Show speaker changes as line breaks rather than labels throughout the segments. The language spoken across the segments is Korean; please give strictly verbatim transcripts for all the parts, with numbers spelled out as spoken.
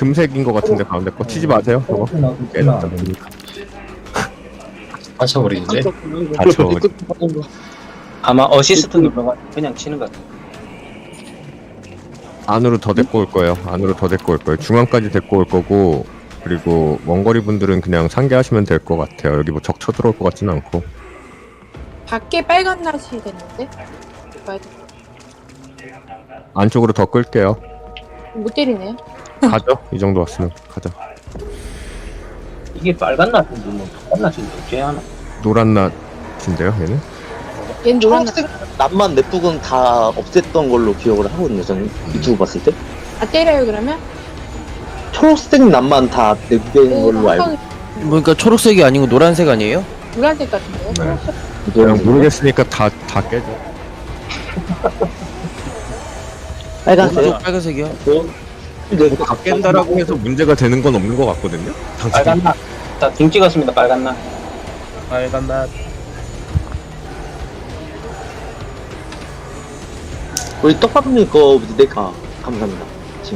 금색인 것 같은데 가운데 거 치지 마세요. 저거 깨졌다.
맞춰버리는데?
다쳐.
아마 어시스트 눌러가 그냥 치는 것 같아.
안으로 더 데리고 올 거예요. 안으로 더 데리고 올 거예요. 중앙까지 데리고 올 거고, 그리고 원거리 분들은 그냥 상계하시면 될 것 같아요. 여기 뭐 적 쳐들어올 것 같지는 않고.
밖에 빨간 낫이 됐는데? 빨간.
안쪽으로 더 끌게요.
못 때리네요.
가죠. 이 정도 왔으면 가자.
이게 빨간 낫인데 뭐 빨간 낫인데 어째 하나?
노란 낫인데요, 얘는?
얘는 노란 낫.
초록색 낫만 넷북은 다 없앴던 걸로 기억을 하거든요. 저는 유튜브 봤을 때
아 때려요 그러면?
초록색 낫만 다 넷된 걸로 알고.
한
그러니까 초록색이 아니고 노란색 아니에요?
노란색 같은데요?
네.
초록색?
그냥 모르겠으니까 다, 다 깨져.
빨간색.
오른쪽 빨간색이요?
네.
다 깬다라고 해서 문제가 되는 건 없는 것 같거든요? 당신.
빨간 낫. 자등 찍었습니다. 빨간 낫. 빨간 낫.
우리 떡밥님 거 내가 감사합니다. 지금.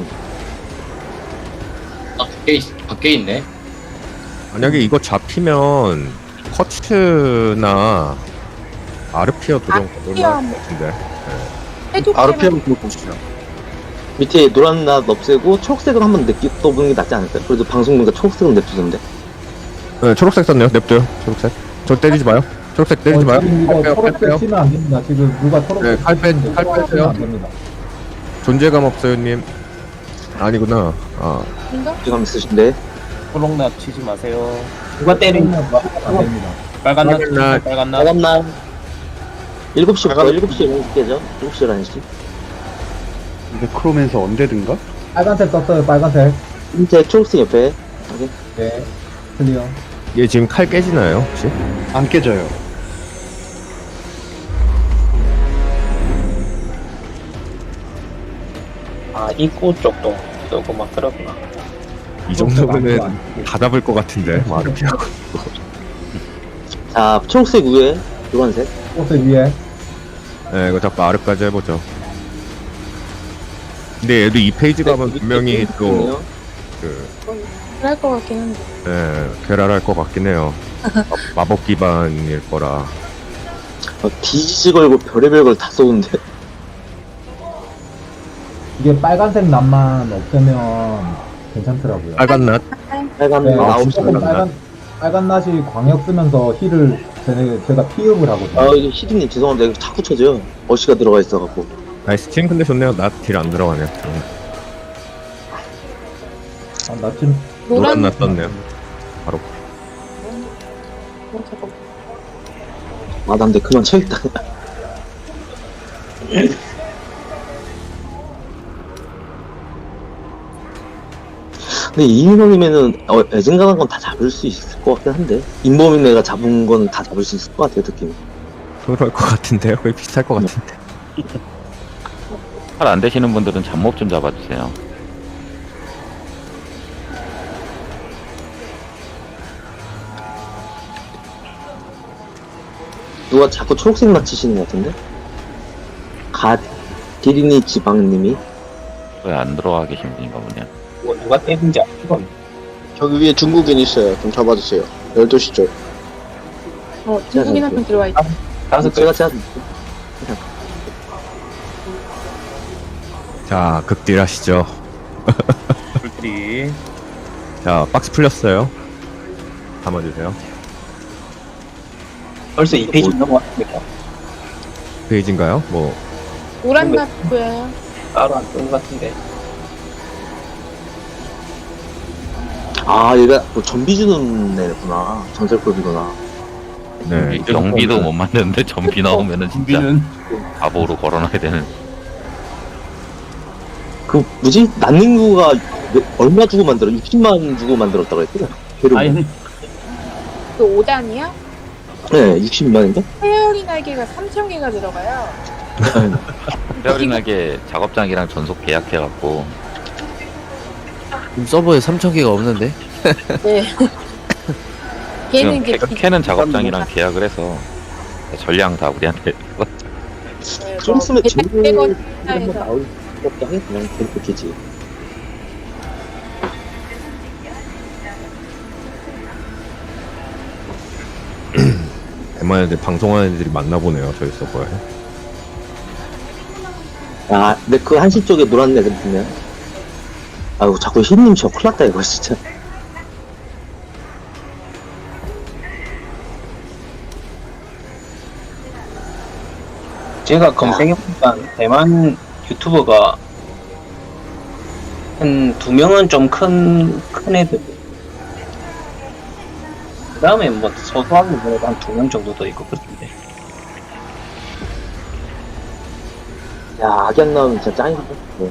아 밖에 있, 밖에 있네.
만약에 이거 잡히면 커츠나 아르피아 도전
아르피아.
올라갈 것 같은데.
해독
아르피엠 그거 보시죠. 밑에 노란 낫 없애고 초록색을 한번 냅둬보는 게 낫지 않을까요? 그래도 방송 보니까 초록색은 냅두던데.
네, 초록색 썼네요. 냅둬요. 초록색. 저 때리지 마요. 초록색 때리지 마요.
지금 이거
칼 빼요, 칼
초록색
빼요.
치면 안 됩니다. 지금 누가 초록색
네, 칼 빼, 칼 빼세요.
안 됩니다.
존재감 없어요, 님. 아니구나. 아,
인가?
지금 있으신데.
초록낫 치지 마세요. 누가 때리는
안 됩니다.
빨간 낫.
빨간 낫.
빨간 낫.
빨간 낫. 일곱 시부터 일곱 시에 열한 시죠? 일곱 시 열한 시.
네크로맨서 언데든가?
빨간색 떴어요. 빨간색.
이제 초록색 옆에. 오케이.
네. 클리어.
얘 지금 칼 깨지나요, 혹시?
안 깨져요.
아 입구 쪽도 뜨고 막 그러구나.
이 정도면은 다 잡을 것 같은데, 뭐 아르피아고.
자, 초록색 위에 노란색.
초록색 위에.
네, 이거 자꾸 아르까지 해보죠. 근데 얘도 이 페이지 가면 분명히 또, 그,
그럴 것 같긴 한데.
예, 괴랄할 것 같긴 해요. 마- 마법 기반일 거라.
어, 뒤지지 걸고 별의별 걸 다 쏘는데.
이게 빨간색 낫만 없애면 괜찮더라고요.
빨간 낫.
빨간
네,
낫 아홉 시.
조금 빨간 빨간 낫이 광역 쓰면서 힐을 제, 제가 피흡을 하거든요.
아, 이거 시드님 죄송한데 이거 자꾸 쳐져요. 어시가 들어가 있어갖고.
나이스 팀 근데 좋네요. 낫 딜 안 들어가네요.
아, 낫좀
노란
노란
낫 떴네요. 바로.
어, 잠깐.
아, 난데 그만 쳐야겠다. 근데 이인원이면은 어, 애증가는 건 다 잡을 수 있을 것 같긴 한데 인범인 애가 잡은 건 다 잡을 수 있을 것 같아요 느낌.
그럴 것 같은데요. 거의 비슷할 것 같은데.
칼 안 되시는 분들은 잡몹 좀 잡아주세요.
누가 자꾸 초록색 맞히시는 것 같은데? 가 디리니 지방님이
왜 안 들어와 계신 분인가 보네요.
누가, 누가 때린지 알고.
저기 위에 중국인 있어요. 좀 잡아주세요. 열두 시 쪽.
어, 중국인 한 명 들어와 있다.
다섯
제가
개.
제가
자, 극딜 하시죠.
불들이.
자, 박스 풀렸어요. 담아주세요.
벌써 이 페이지 넘어왔습니다.
페이지인가요? 뭐,
노란 낫 보여요?
따로 안 뜨는 것 같은데.
아 얘가 뭐 전비 주는 애구나. 전설급이구나.
네.
경비도 못 만드는데 전비 나오면은 진짜
준비는
바보로 걸어놔야 되는.
그 뭐지? 난닝구가 몇- 얼마 주고 만들어? 육십만 주고 만들었다고 했거든.
아니
그 오 단이요?
네, 육십만인가?
페어리 날개가 삼천 개가 들어가요.
페어링하게 작업장이랑 전속 계약해갖고
지금 서버에 삼천 개가 없는데?
네. 걔는
지금
이제
캐, 캐는 작업장이랑 계약을 해서 전량 다 우리한테.
네,
좀 있으면
뭐
제일
백백 원
한번
해서
나올 것도 하겠구나. 그렇게지.
그만 애들 방송하는 애들이 많나 보네요 저희 서버에.
아, 근데 그 한시 쪽에 노란 애들 보면. 아이고, 자꾸 흰님 저 큰일 났다, 이거, 진짜.
제가 검색해보니까 대만 유튜버가 한 두 명은 좀 큰, 큰 애들. 그 다음에 뭐 소소하게 보내도 한 두 명 정도 더 있고 그렇던데.
야, 악양 나오면 진짜 짱이다. 네.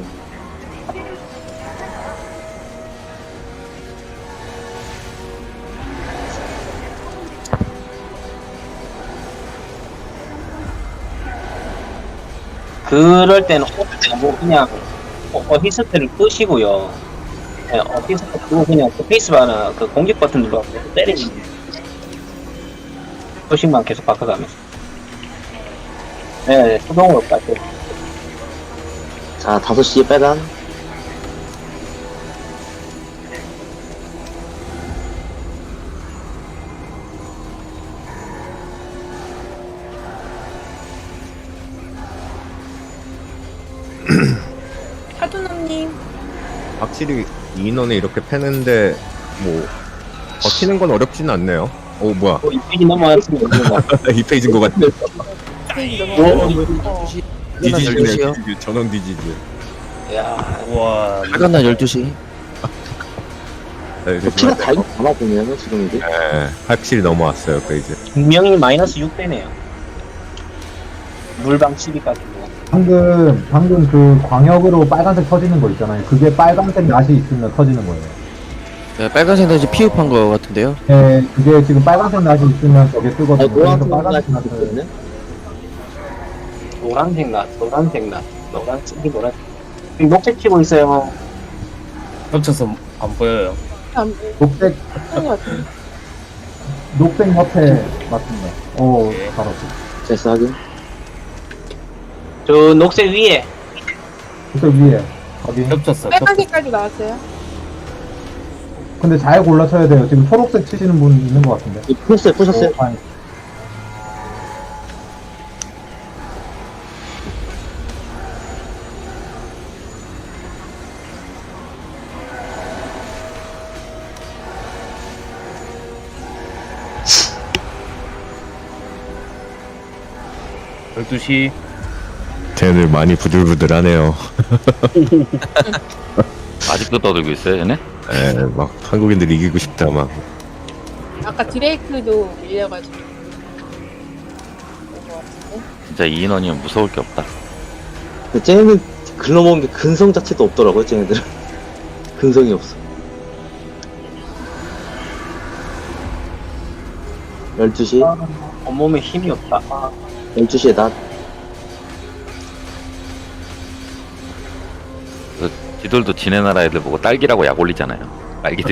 그럴 때는 뭐 그냥 어- 어시스트를 끄시고요. 네, 어시스트 끄고 그냥 그 페이스바나 그 공격 버튼 눌러서 때리면 수식만 계속 바꿔가면서. 네, 수동으로 깔게.
자, 다섯 시에 빨간.
하두남님.
확실히 이 인원에 이렇게 패는데 뭐 버티는 건 어렵지는 않네요. 오 뭐야
어, 이 페이지 넘어갔으면 이거
이 페이지인 것 같네.
페이지
어,
넘어가고.
디지즈네
열두 시요?
디지즈 전원 디지즈.
야,
빨간 날 열두 시.
네,
피가 달고 가나 보면은, 지금 이게.
네, 확실히 넘어왔어요 그 이제.
분명히 마이너스 육 배네요. 물방 십이까지.
방금 방금 그 광역으로 빨간색 터지는 거 있잖아요. 그게 빨간색 낫이 있으면 터지는 거예요.
네, 빨간색 날씨 피흡한 거 같은데요.
예, 그게 지금 빨간색 낫이 있으면 저게
아,
뜨거든요. 그래서
노란색
빨간색
나지
낫을
있거든요?
노란색 낫, 노란색 낫, 노란색, 이 노란. 지금 녹색 치고 있어요.
겹쳐서 안 보여요.
안
녹색
보는 것 같아요.
녹색 옆에 맞습니다. 오,
예.
바로
됐어, 하긴.
저 녹색 위에.
녹색 위에 거기.
겹쳤어. 겹쳤어.
빨간색까지 나왔어요.
근데 잘 골라 쳐야 돼요. 지금 초록색 치시는 분 있는 것 같은데.
이 푸셨어요, 푸셨어요?
어, 아니,
열두 시.
쟤들 많이 부들부들하네요.
아직도 떠들고 있어요, 얘네?
네, 막 한국인들 이기고 싶다 막.
아까 드레이크도 밀려가지고. 그런 것 같은데.
진짜 이 인원이면 무서울 게 없다.
근데 쟤네는 글러먹은 게 근성 자체도 없더라고요, 쟤네들은. 근성이 없어. 열두 시,
온몸에 힘이 없다. 아,
열두 시에 나.
그 지들도 지네 나라 애들 보고 딸기라고 약 올리잖아요. 딸기들이.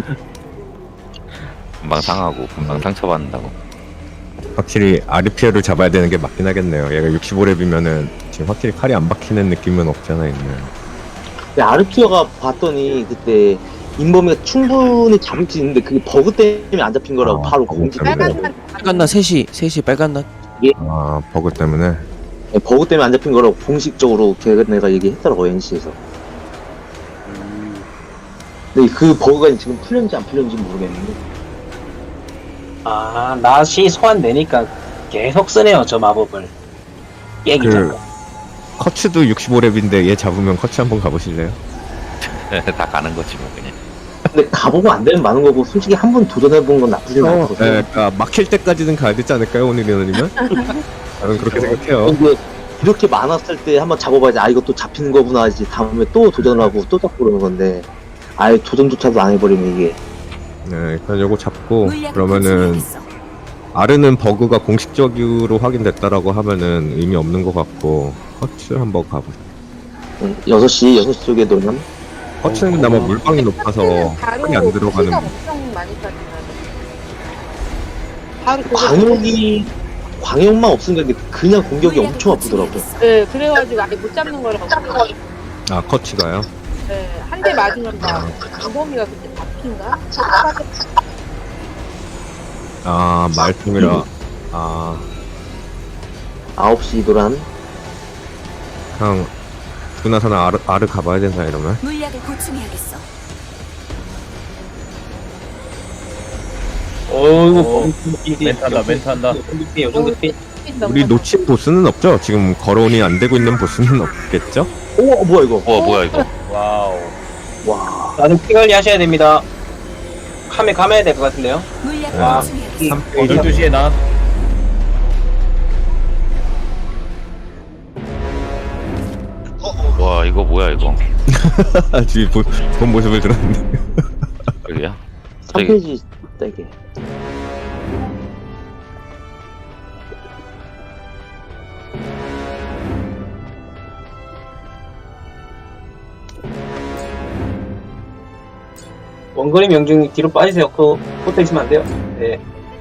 금방 상하고 금방 상처받는다고.
확실히 아르피아를 잡아야 되는 게 맞긴 하겠네요. 얘가 육십오 렙이면은 지금 확실히 칼이 안 박히는 느낌은 없잖아 있네.
근데 아르피어가 봤더니 그때 인범이가 충분히 잡을 수 있는데 그게 버그 때문에 안 잡힌 거라고
아,
바로
버그
공지.
때문에.
빨간 날
빨간 날 세 시, 세 시 빨간 날.
아 버그 때문에.
네, 버그 때문에 안 잡힌 거라고 공식적으로 걔네가 얘기했더라고, 엔씨에서. 근데 그 버그가 지금 풀렸는지 안 풀렸는지 모르겠는데.
아, 낫이 소환되니까 계속 쓰네요, 저 마법을. 깨기
그
전.
커츠도 육십오 렙인데 얘 잡으면 커츠 한번 가보실래요?
다 가는 거지 뭐 그냥.
근데 가보고 안 되면 많은 거고, 솔직히 한 번 도전해본 건 나쁘진
어,
않거든.
네, 그러니까 막힐 때까지는 가야 되지 않을까요 오늘 인원이면? 저는 그렇게 생각해요.
근데 이렇게 많았을 때 한번 잡아봐야지, 아, 이거 또 잡히는 거구나 하지. 다음에 또 도전을 하고 또 잡고 그러는 건데, 아예 도전조차도 안 해버리면 이게.
네, 일단 요거 잡고 그러면은 아르는 버그가 공식적으로 확인됐다라고 하면은 의미 없는 것 같고 커츠 한번 가보자.
응, 여섯 시, 여섯 시 쪽에 놓으면.
커츠는 아마 물방이 높아서
바로
손이 안 들어가는.
피가 엄청 많이 빠지나요? 바로 그거
광역이, 광역만 없으니까 이게 그냥 공격이 엄청 아프더라고요.
네, 그래가지고 아예 못 잡는 거라고.
아 커츠가요?
네, 한 대 맞으면 막 강범이가 그때 잡힌가?
아 말통이라 아,
아홉 시 도란.
그냥 두고 나서는 아르, 아르 가봐야 된다 이러면.
물약을 보충해야겠어.
어이구,
멘트한다, 멘트한다.
요즘 급히.
우리 놓친 보스는 없죠? 지금 거론이 안 되고 있는 보스는 없겠죠?
오, 어, 뭐야, 이거.
와 뭐야 이거.
와우.
와.
나는 피 관리 하셔야 됩니다. 카메 감아야 될 것 같은데요?
물약을
아,
보충해야겠어.
삼 페이지.
열두 시에 나.
와 이거 뭐야 이거.
지금 본, 본 모습을 들었는데.
여기야?
삼 페이지 떼게.
원거리 명중 뒤로 빠지세요. 그 붙어 있으면 안 돼요. 네.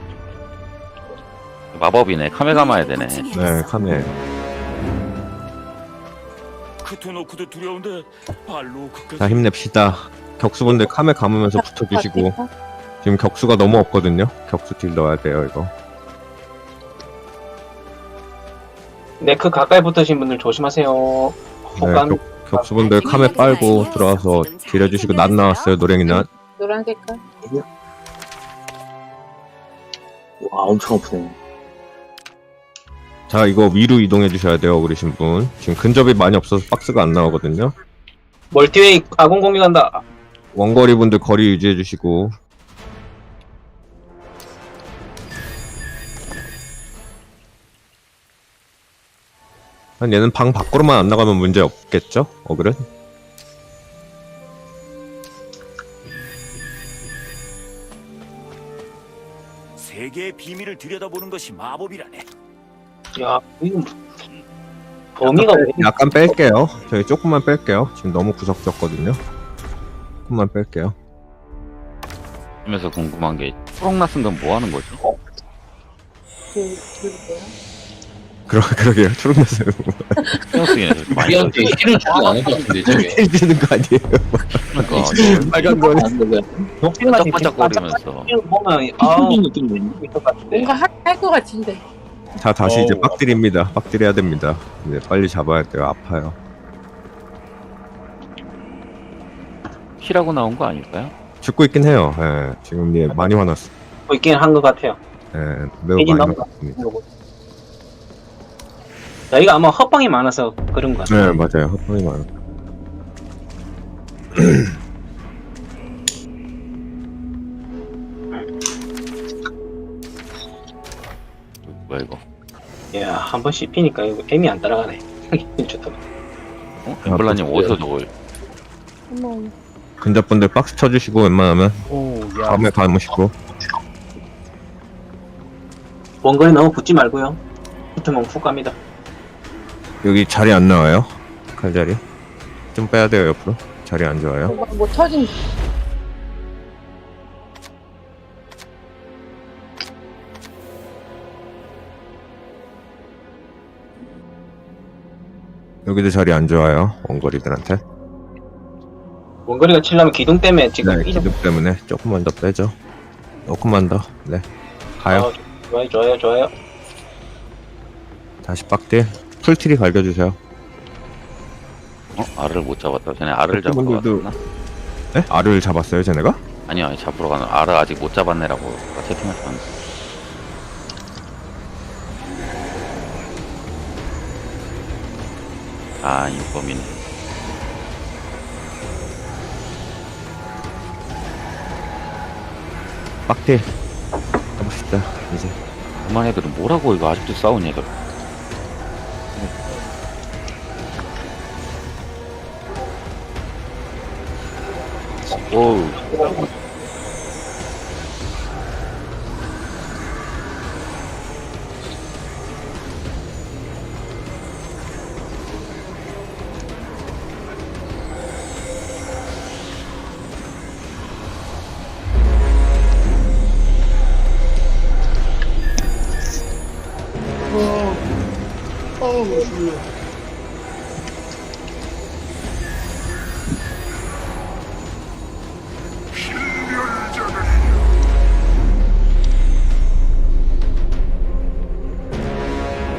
마법이네. 카메 감아야 되네.
네, 카메.
크토노크도 두려운데 발로 끝까지.
자, 힘냅시다. 격수분들 카메 감으면서 붙어주시고. 지금 격수가 너무 없거든요. 격수 딜 넣어야 돼요, 이거.
네, 그 가까이 붙으신 분들 조심하세요.
네,
혹간
격, 격수분들 카메 빨고 들어와서 딜 해주시고, 낫 나왔어요, 노랭이 낫.
노란 색깔.
와, 엄청 아프네.
자, 이거 위로 이동해 주셔야 돼요, 그러신 분. 지금 근접이 많이 없어서 박스가 안 나오거든요.
멀티웨이 아군 공격한다.
원거리 분들 거리 유지해 주시고. 한 얘는 방 밖으로만 안 나가면 문제 없겠죠? 어그은?
세계의 비밀을 들여다보는 것이 마법이라네.
야, 이거 범위가 왜
약간 뺄게요. 저희 조금만 뺄게요. 지금 너무 구석졌거든요. 조금만 뺄게요.
하면서 궁금한 게 초록 낯은 건 뭐 하는 거지?
그, 그게요.
그러, 그러게요. 초록맛은
신경 쓰기는 좀 많이
우리한테 힐을 주지 않을 것 같은데 저게.
해주는 거 아니에요?
그러니까
빨간 거는.
안 돼, 왜.
녹색만
반짝반짝거리면서.
보면 아우
느낌 뭐니?
있을 것 같은데.
뭔가 할 것 같은데.
자, 다시 이제
어우.
빡들입니다. 빡들해야 됩니다. 이제 빨리 잡아야 돼요. 아파요.
키라고 나온 거 아닐까요?
죽고 있긴 해요. 예, 지금 얘 많이 화났어.
뭐 있긴 한 것 같아요.
예, 매우
페이지
많이
넘어가.
화났습니다.
여기가 아마 헛방이 많아서 그런 것 같아요.
네, 맞아요. 헛방이 많아.
뭐야 이거?
야, 한 번 씹히니까 이거 애미 안 따라가네. 좋다.
어? 엠블라님 어디서 저걸?
어머,
근접분들 박스 쳐주시고 웬만하면
오, 야.
다음에 감으시고.
원거리 너무 붙지 말고요. 붙으면 훅 갑니다.
여기 자리 안 나와요? 칼자리? 좀 빼야 돼요, 옆으로. 자리 안 좋아요.
뭐, 뭐 터진.
여기도 자리 안 좋아요, 원거리들한테.
원거리가 치려면 기둥 때문에 지금
네,
이점
기둥 때문에 조금만 더 빼죠. 조금만 더. 네. 가요.
아, 좋아요, 좋아요, 좋아요.
다시 빡딜. 풀트리 갈겨주세요.
어? 알을 못 잡았다. 쟤네 알을 잡으러
그분들도-
갔나?
네? 알을 잡았어요, 쟤네가?
아니요, 아니, 잡으러 가는 알을 아직 못 잡았네라고 아까 채팅했었는데. 아, 인범이네.
빡딜. 가봅시다, 이제.
그만 애들은 뭐라고 이거 아직도 싸우냐 이거. 오우.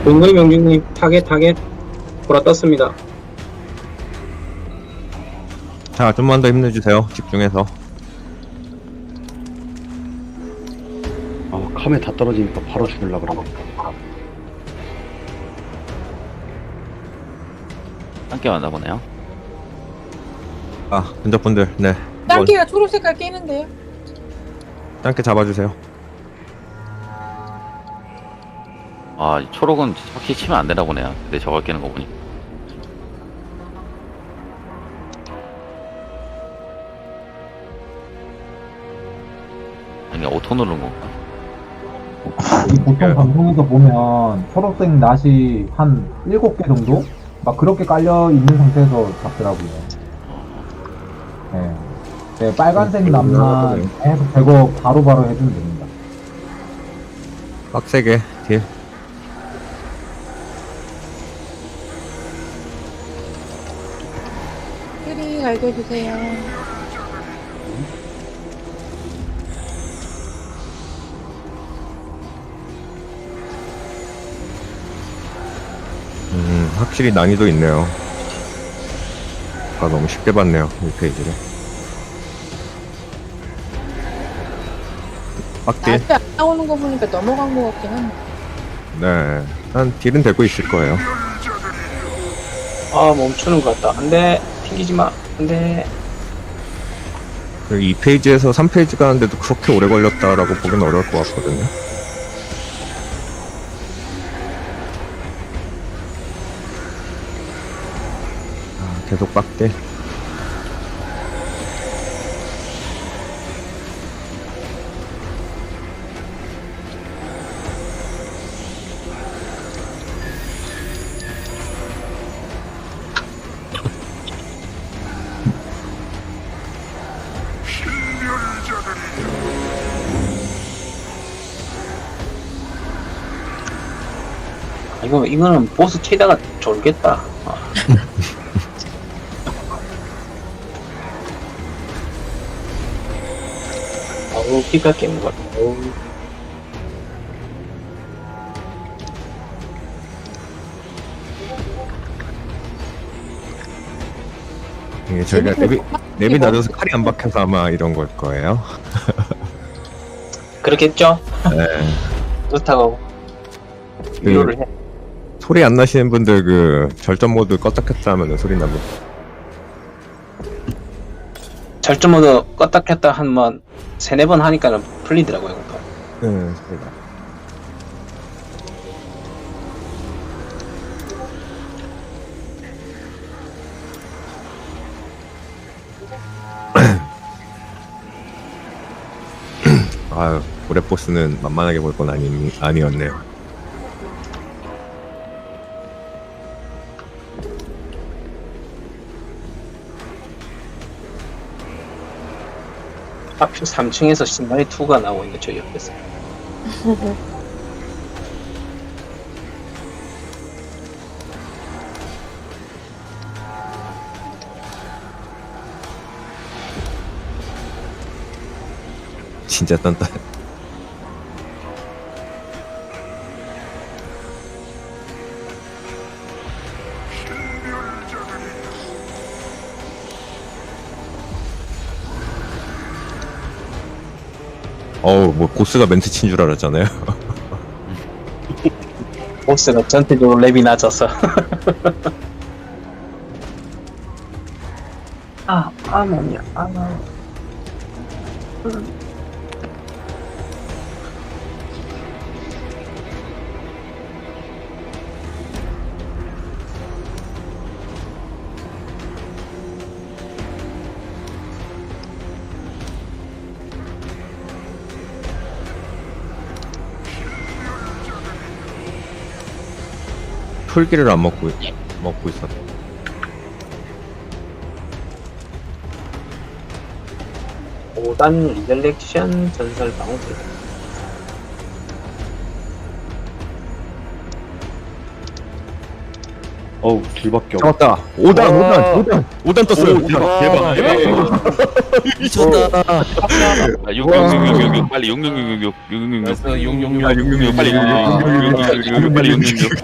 동거리 명중님 타겟 타겟 보라 떴습니다.
자, 좀만 더 힘내주세요. 집중해서.
아, 카메 다 떨어지니까 바로 죽을라 그러네.
함께 왔나 보네요.
아, 근접분들, 네.
땅개가 초록 색깔 깨는데요?
짧게 잡아주세요.
아, 이 초록은 확실히 치면 안 되나 보네요. 근데 저걸 깨는 거 보니. 아니, 오토 누른 건가?
이 보통 방송에서 보면 초록색 낫이 한 일곱 개 정도? 막 그렇게 깔려 있는 상태에서 잡더라고요. 네. 네, 빨간색 낫만 계속 제거 바로바로 해주면 됩니다.
빡세게, 딜.
끼리 갈겨주세요.
음, 확실히 난이도 있네요. 아, 너무 쉽게 봤네요, 이 페이지를. 빡딜.
앞에 안 나오는 거 보니까 넘어간 거 같긴 한데.
네. 한 딜은 되고 있을 거예요.
아 멈추는 것 같다. 안돼 튕기지 마. 안돼.
이 페이지에서 삼 페이지 가는데도 그렇게 오래 걸렸다라고 보기는 어려울 것 같거든요. 아, 계속 빡대.
이거 이거는 보스 치다가 졸겠다. 아. 어우 피가 깨는 것 같아. 어우.
이게 저희가 랩이, 랩이 낮아서 칼이 안 박혀서 아마 이런 걸 거예요.
그렇겠죠?
네.
그렇다고
그,
위로를 해.
소리 안 나시는 분들 그 절전 모드 껐다 켰다 하면 소리 나고.
절전 모드 껐다 켰다 한번 세네 번 하니까는 풀리더라고요. 그거.
네, 소리가. 아유, 올해 보스는 만만하게 볼 건 아니, 아니었네요.
하필 삼 층에서 신발이 이가 나오고 있는 저 옆에서.
진짜 단단. 어우, 뭐 보스가 멘트 친 줄 알았잖아요.
보스가 전체적으로 랩이 낮아서. 아, 아, 뭐냐, 아. 음.
풀기를 안 먹고 먹고 있었.
오 단 리절렉션 전설 방어들.
어우, 둘밖에 없어.
잡았다. 오 단, 오 단, 오 단. 오 단 떴어요.
오, 대박, 대박, 대박.
미쳤다.
아, 육육육육육 빨리 육육육육육 육육육육
그래서 용용용
아, 육육육 빨리 육육육육 빨리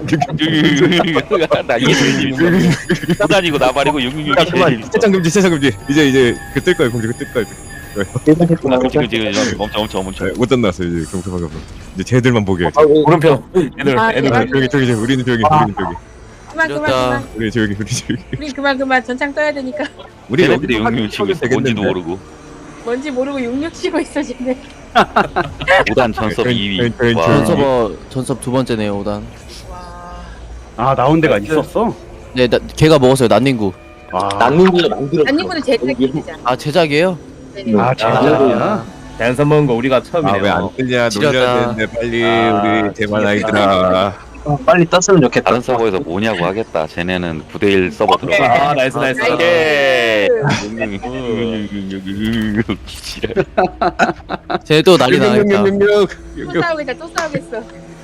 육육육 나 이게 제일 재밌어. 호단이고 나발이고 육육육이 제일 재밌어.
세상 금지, 세상 금지. 이제 이제 그 뜰 거예요. 공지 그뜰 거예요.
지금 지금 지금 멈춰 멈춰 멈춰.
네, 못 떴나서 이제 금방 금방. 이제 쟤들만 보게. 해.
오른편 애들
아,
애들
대박.
저기 저기 저기 우리는 저기 우리는 저기
그만 그만
이겼다.
그만.
우리 저기 우리 저기.
우리 그만 그만 전창 떠야 되니까.
우리
쟤네들이
여기서
육육육 치고 있어. 뭔지도 모르고.
뭔지 모르고 육육 치고 있어 지금.
오단 전섭 이 위.
저희- 저희-
와.
저희-
전서버 전섭 두 번째네요 오단.
와.
아, 나온 데가 있었어?
네, 나, 걔가 먹었어요 난닝구.
아,
난민이가 만들었어.
안님분은 제작이잖아.
아 제작이에요?
네네.
아, 제자리야?
댄서 먹은 거 우리가 처음이네요.
아왜안 뜨냐
지렸다.
놀려야 되는데 빨리
아,
우리 대만 아이들아.
어, 빨리 떴으면 좋겠다.
다른 서버에서 뭐냐고 하겠다. 쟤네는 구대 일 서버 들어가.
아 나이스 나이스.
나이스.
오케이.
음.
지랄.
쟤도 난리 나겠다.
또 싸우겠다 또 싸우겠어.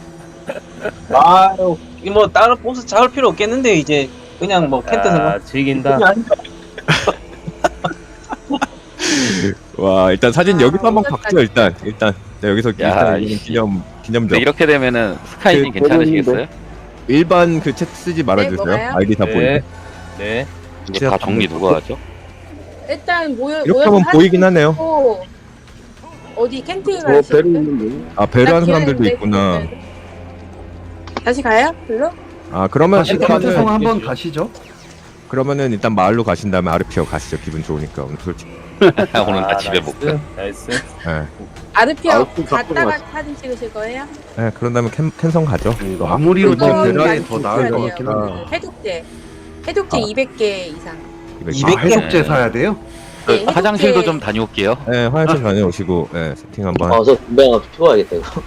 아유, 이뭐 다른 보스 잡을 필요 없겠는데 이제 그냥 뭐 캔트에서
아 즐긴다.
와 일단 사진
아,
여기서 한번
오졌다,
박죠 일단 일단 네, 여기서
야,
일단
이씨.
기념 기념적
근데 이렇게 되면은 스카이님
그,
괜찮으시겠어요?
일반 그 챗 쓰지
네,
말아주세요.
뭐가요?
아이디 다
네.
보이게.
네.
이거 다 정리 누가 하죠?
일단 모여
이렇게
모여서
하면
사진
보이긴 하네요.
찍고 어디 캠핑
어, 배를
가시는
있는데.
아 배려한 사람들도 있구나.
다시 가요? 별로?
아 그러면
다시
일단은
캔트성 한번 가시죠.
그러면은 일단 마을로 가신 다음에 아르피어 가시죠. 기분 좋으니까 오늘 솔직히.
오늘 다
아,
집에
나이스,
못 가.
나이스.
예.
아르피어
아르피어
갔다가
갔다
사진 찍으실 거예요?
예, 그런 다음에 캔 캔성 가죠.
마무리로
그거
좀 배달이
많이
더 나을 것
있어야
같긴
돼요.
한데.
그 해독제 해독제
아.
이백 개 이상.
이백
아,
개.
해독제 사야 돼요?
네, 해독제-
화장실도 좀 다녀올게요.
예, 화장실 다녀오시고 예, 세팅 한번.
아, 저 담배 하나 피워야겠다, 이거.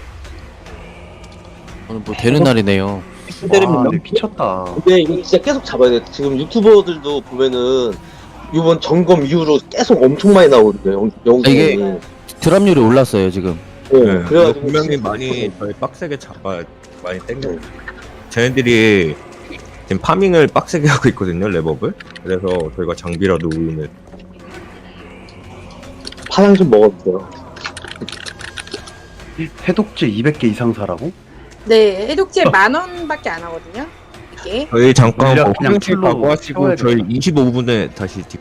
오늘 뭐 되는 날이네요.
와, 근데 미쳤다.
근데 이거 진짜 계속 잡아야 돼. 지금 유튜버들도 보면은 이번 점검 이후로 계속 엄청 많이 나오거든요. 영- 영상이.
이게- 드랍률이 올랐어요 지금.
네,
네,
그래가지고
분명히
진짜
많이 저희 빡세게 잡아 많이 땡겨. 쟤네들이 지금 파밍을 빡세게 하고 있거든요, 랩업을. 그래서 저희가 장비라도 우유면
파장 좀 먹었어요.
해독제 이백 개 이상 사라고?
네, 해독제 만 원밖에 안 하거든요. 이게
저희 잠깐
물약
뭐
그냥
화장실
풀로
가고 하시고
채워야겠다.
저희 이십오 분에 다시 뒷.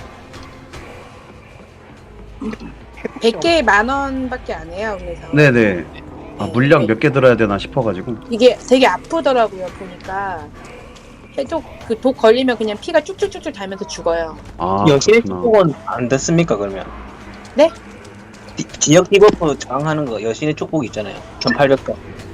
백 개에 만 원밖에 안 해요. 그래서
네네. 아, 물량 몇 개 들어야 되나 싶어가지고.
이게 되게 아프더라고요. 보니까 해독 그 독 걸리면 그냥 피가 쭉쭉쭉쭉 달면서 죽어요.
아,
여신의
그렇구나.
축복은 안 됐습니까 그러면?
네?
디, 지역 디버프 저항하는 거 여신의 축복 있잖아요. 천팔백 개.